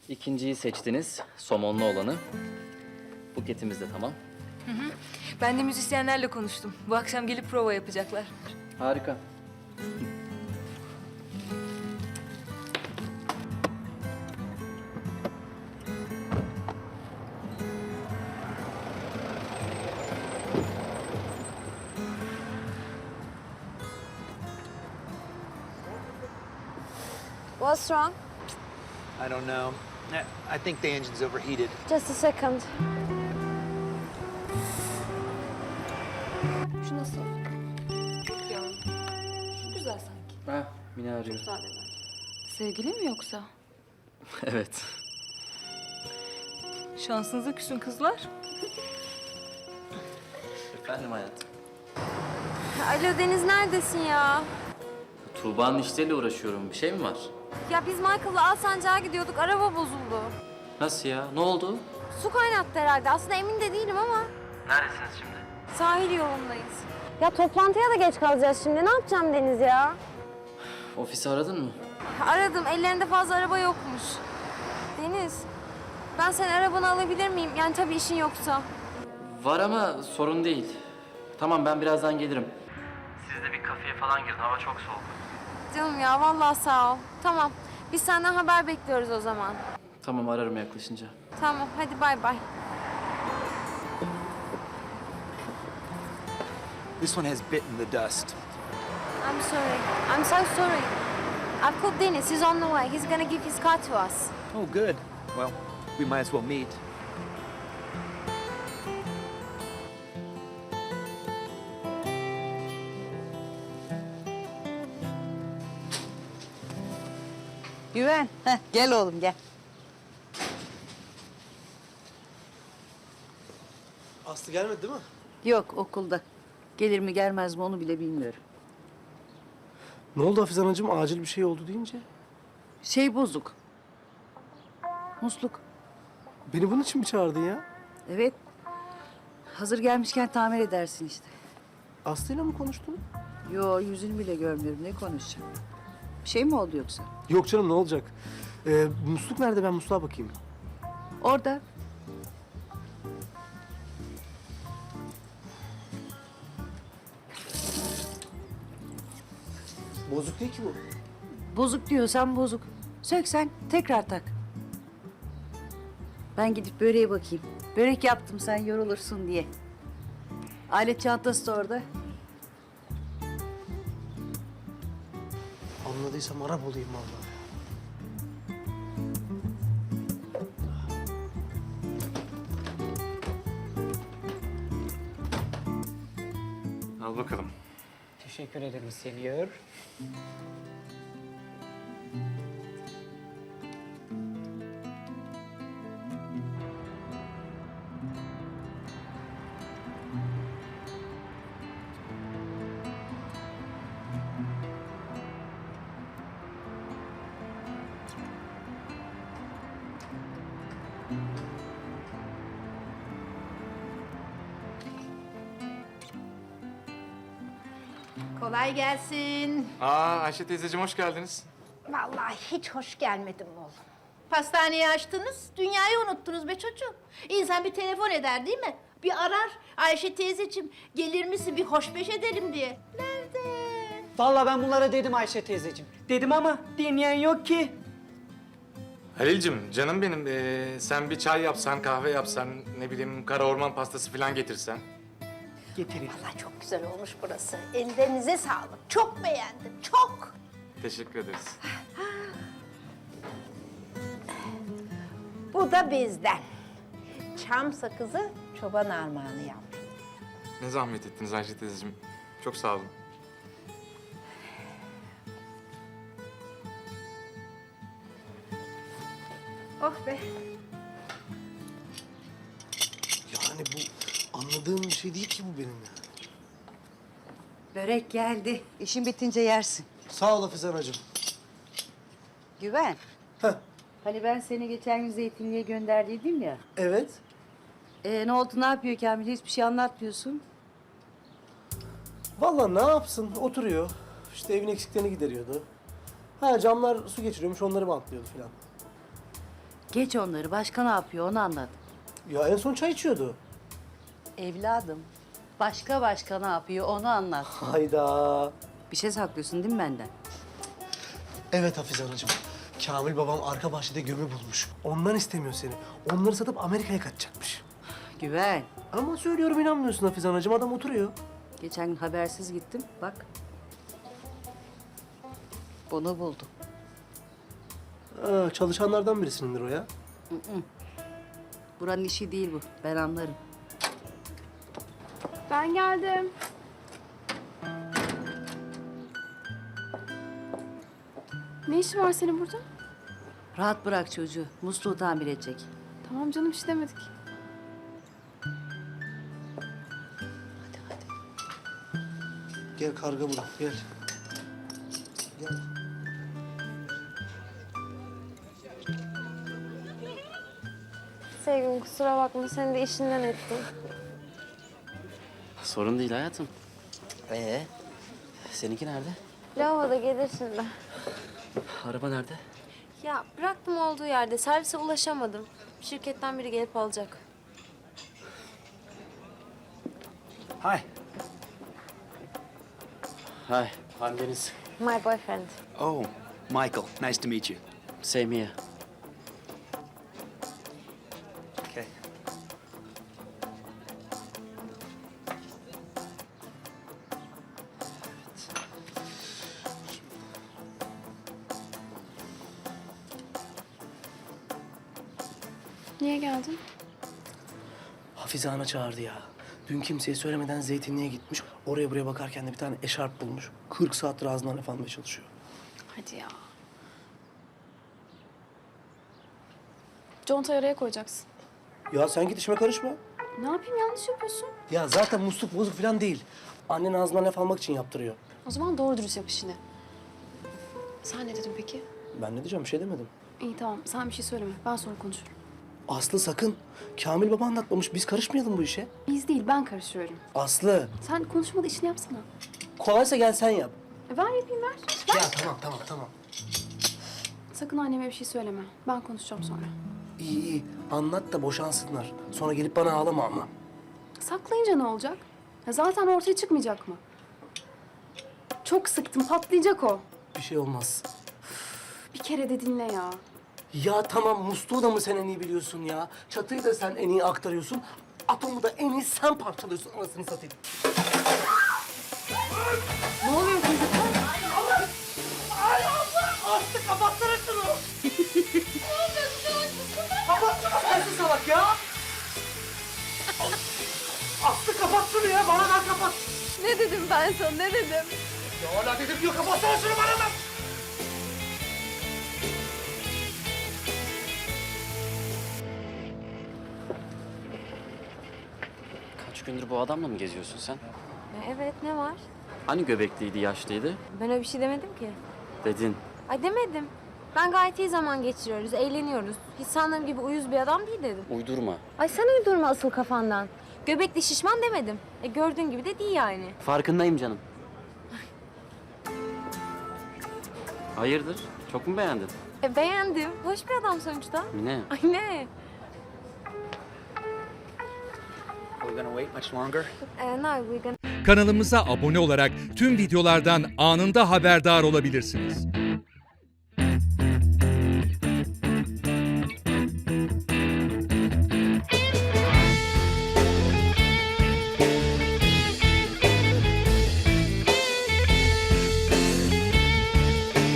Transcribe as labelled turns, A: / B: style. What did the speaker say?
A: İkinciyi seçtiniz, somonlu olanı. Buketimiz de tamam.
B: Ben de müzisyenlerle konuştum. Bu akşam gelip prova yapacaklar.
A: Harika.
C: What's wrong?
D: I don't know. I think the engine's overheated.
C: Just a second. Şu nasıl? Ya, şu güzel sanki.
A: Ha, Mine arıyor.
C: Müsaade ver.
B: Sevgili mi yoksa?
A: Evet.
B: Şansınıza küsün kızlar.
A: Efendim hayatım.
C: Alo Deniz, neredesin ya?
A: Tuğba'nın işleriyle uğraşıyorum. Bir şey mi var?
C: Ya biz Michael'la Alsancak'a gidiyorduk, araba bozuldu.
A: Nasıl ya? Ne oldu?
C: Su kaynattı herhalde. Aslında emin de değilim ama.
A: Neredesiniz şimdi?
C: Sahil yolundayız. Ya toplantıya da geç kalacağız şimdi. Ne yapacağım Deniz ya?
A: Ofisi aradın mı?
C: Aradım, ellerinde fazla araba yokmuş. Deniz, ben senin arabanı alabilir miyim? Yani tabii işin yoksa.
A: Var ama sorun değil. Tamam ben birazdan gelirim. Siz de bir kafeye falan girin. Hava çok soğuk.
C: Canım ya, vallahi sağ ol. Tamam, biz senden haber bekliyoruz o zaman.
A: Tamam ararım yaklaşınca.
C: Tamam, hadi bay bay.
D: This one has bitten the dust.
C: I'm sorry. I'm so sorry. I've called Dennis. He's on the way. He's gonna give his car to us.
D: Oh, good. Well, we might as well meet.
E: Güven, gel oğlum gel.
F: Aslı gelmedi değil mi?
E: Yok okulda. Gelir mi gelmez mi onu bile bilmiyorum.
F: Ne oldu Hafize Anacığım? Acil bir şey oldu deyince.
E: Şey bozuk. Musluk.
F: Beni bunun için mi çağırdın ya?
E: Evet. Hazır gelmişken tamir edersin işte.
F: Aslı'yla mı konuştun?
E: Yo yüzünü bile görmüyorum ne konuşacağım. Bir şey mi oldu yoksa?
F: Yok canım, ne olacak? Musluk nerede? Ben musluğa bakayım.
E: Orada.
F: Bozuk değil ki bu.
E: Bozuk diyorsan bozuk. Söksen tekrar tak. Ben gidip böreğe bakayım. Börek yaptım sen yorulursun diye. Alet çantası da orada.
F: Anladıysam Arap olayım vallahi.
G: Al bakalım.
H: Teşekkür ederim Senyor.
I: Kolay gelsin.
G: Ayşe teyzeciğim hoş geldiniz.
I: Vallahi hiç hoş gelmedim oğlum. Pastaneyi açtınız, dünyayı unuttunuz be çocuğum. İnsan bir telefon eder değil mi? Bir arar, Ayşe teyzeciğim gelir misin bir hoşbeş edelim diye. Nerede?
H: Vallahi ben bunlara dedim Ayşe teyzeciğim. Dedim ama dinleyen yok ki.
G: Halil'cim canım benim sen bir çay yapsan, kahve yapsan, ne bileyim kara orman pastası falan getirsen.
H: Getireyim.
I: Vallahi çok güzel olmuş burası. Ellerinize sağlık. Çok beğendim, çok.
G: Teşekkür ederiz.
I: Bu da bizden. Çam sakızı çoban armağanı yavrum.
G: Ne zahmet ettiniz Ayşe teyzeciğim. Çok sağ olun.
I: Oh be.
F: Yani bu anladığım bir şey değil ki bu benim ya.
E: Börek geldi. İşin bitince yersin.
F: Sağ ol Hafize Anacığım.
E: Güven.
F: Heh.
E: Hani ben seni geçen gün zeytinliğe gönderdiydim ya.
F: Evet.
E: Ne oldu ne yapıyor Kamil? Hiçbir şey anlatmıyorsun.
F: Vallahi ne yapsın? Oturuyor. İşte evin eksiklerini gideriyordu. Ha, camlar su geçiriyormuş, onları bantlıyordu falan.
E: Geç onları. Başka ne yapıyor onu anlat.
F: Ya en son çay içiyordu.
E: Evladım. Başka ne yapıyor onu anlat.
F: Hayda.
E: Bir şey saklıyorsun değil mi benden?
F: Evet Hafize Anacığım. Kamil babam arka bahçede gömü bulmuş. Ondan istemiyor seni. Onları satıp Amerika'ya kaçacakmış.
E: Güven.
F: Ama söylüyorum inanmıyorsun Hafize Anacığım. Adam oturuyor.
E: Geçen gün habersiz gittim. Bak. Bunu buldum.
F: Çalışanlardan birisindir o ya.
E: Buranın işi değil bu. Ben anlarım.
C: Ben geldim. Ne işin var senin burada?
E: Rahat bırak çocuğu. Musluğu tamir edecek.
C: Tamam canım, bir şey demedik.
F: Gel karga bulun. Gel. Gel.
C: Sevgilim kusura bakma, seni de işinden ettim.
A: Sorun değil hayatım. Seninki nerede?
C: Lavaboda gelir şimdi.
A: Araba nerede?
C: Ya bıraktım olduğu yerde, servise ulaşamadım. Şirketten biri gelip alacak.
D: Hi.
A: Hi, I'm Deniz.
C: My boyfriend.
D: Oh, Michael. Nice to meet you.
A: Same here.
D: Okay.
C: Niye geldin?
F: Hafize Ana çağırdı ya. Dün kimseye söylemeden zeytinliğe gitmiş. Oraya buraya bakarken de bir tane eşarp bulmuş. 40 saattir ağzından laf almaya çalışıyor.
J: Hadi ya. Contayı araya koyacaksın.
F: Ya sen git işime karışma.
J: Ne yapayım, yanlış yapıyorsun.
F: Ya zaten musluk bozuk falan değil. Annen ağzından laf almak için yaptırıyor.
J: O zaman doğru dürüst yap işini. Sen ne dedin peki?
F: Ben ne diyeceğim bir şey demedim.
J: İyi tamam, sen bir şey söyleme. Ben sonra konuşurum.
F: Aslı sakın. Kamil baba anlatmamış. Biz karışmayalım bu işe.
J: Biz değil, ben karışıyorum.
F: Aslı.
J: Sen konuşmada işini yapsana.
F: Kolaysa gel sen yap.
J: Ver yapayım, ver.
F: Ya tamam.
J: Sakın anneme bir şey söyleme. Ben konuşacağım sonra.
F: İyi. Anlat da boşansınlar. Sonra gelip bana ağlama ama.
J: Saklayınca ne olacak? Ya zaten ortaya çıkmayacak mı? Çok sıktım, patlayacak o.
F: Bir şey olmaz.
J: Bir kere de dinle ya.
F: Ya tamam musluğu da mı sen en iyi biliyorsun ya? Çatıyı da sen en iyi aktarıyorsun. Atomu da en iyi sen parçalıyorsun anasını satayım.
J: Ne oluyor çocuklar?
F: Aslı kapatsana şunu. Kapatsana sensin salak ya. Aslı kapat şunu ya bana ver kapat.
C: Ne dedim ben sana, ne dedim?
F: Ya hala dedim diyor kapatsana şunu bana ver.
A: Kaç gündür bu adamla mı geziyorsun sen?
C: Evet, ne var?
A: Hani göbekliydi, yaşlıydı?
C: Ben öyle bir şey demedim ki.
A: Dedin.
C: Ay demedim. Ben gayet iyi zaman geçiriyoruz, eğleniyoruz. Hiç sandığım gibi uyuz bir adam değil dedim.
A: Uydurma.
C: Ay sen uydurma asıl kafandan. Göbekli şişman demedim. Gördüğün gibi de değil yani.
A: Farkındayım canım. Hayırdır? Çok mu beğendin?
C: Beğendim. Hoş bir adam sonuçta.
A: Mine.
C: Ay ne?
D: Are we gonna wait much longer?
C: No, we gonna...
K: Kanalımıza abone olarak tüm videolardan anında haberdar olabilirsiniz.